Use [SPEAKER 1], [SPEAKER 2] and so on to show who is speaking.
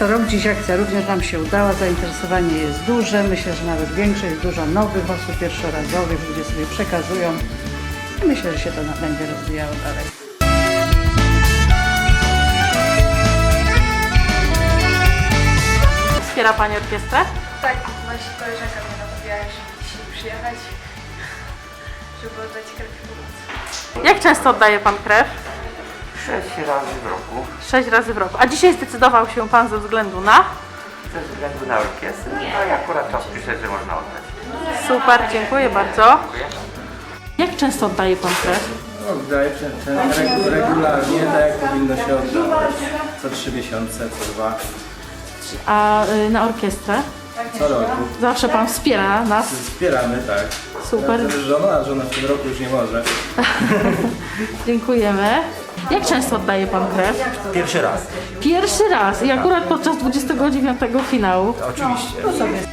[SPEAKER 1] co rok dziś akcja również nam się udała, zainteresowanie jest duże, myślę, że nawet większość, dużo nowych osób pierwszorazowych, ludzie sobie przekazują i myślę, że się to będzie rozwijało dalej.
[SPEAKER 2] Wspiera Pani orkiestrę?
[SPEAKER 3] Tak, właśnie koleżanka mnie namawiała, żeby dzisiaj przyjechać, żeby oddać krew i pomoc.
[SPEAKER 2] Jak często oddaje Pan krew?
[SPEAKER 4] 6 razy w roku,
[SPEAKER 2] 6 razy w roku. A dzisiaj zdecydował się Pan ze względu na?
[SPEAKER 4] ze względu na orkiestrę, a ja akurat czas przyszedł, że można oddać.
[SPEAKER 2] Super, dziękuję bardzo. Jak często oddaje Pan krew?
[SPEAKER 5] Oddaję regularnie, tak jak powinno się oddawać. Co 3 miesiące, co 2,
[SPEAKER 2] A na orkiestrę?
[SPEAKER 5] co roku.
[SPEAKER 2] Zawsze Pan wspiera nas.
[SPEAKER 5] Wspieramy, tak.
[SPEAKER 2] Super.
[SPEAKER 5] Nawet żona, a żona w tym roku już nie może.
[SPEAKER 2] Dziękujemy. Jak często oddaje Pan krew?
[SPEAKER 4] Pierwszy raz.
[SPEAKER 2] Pierwszy raz i akurat podczas 29 finału.
[SPEAKER 4] Oczywiście.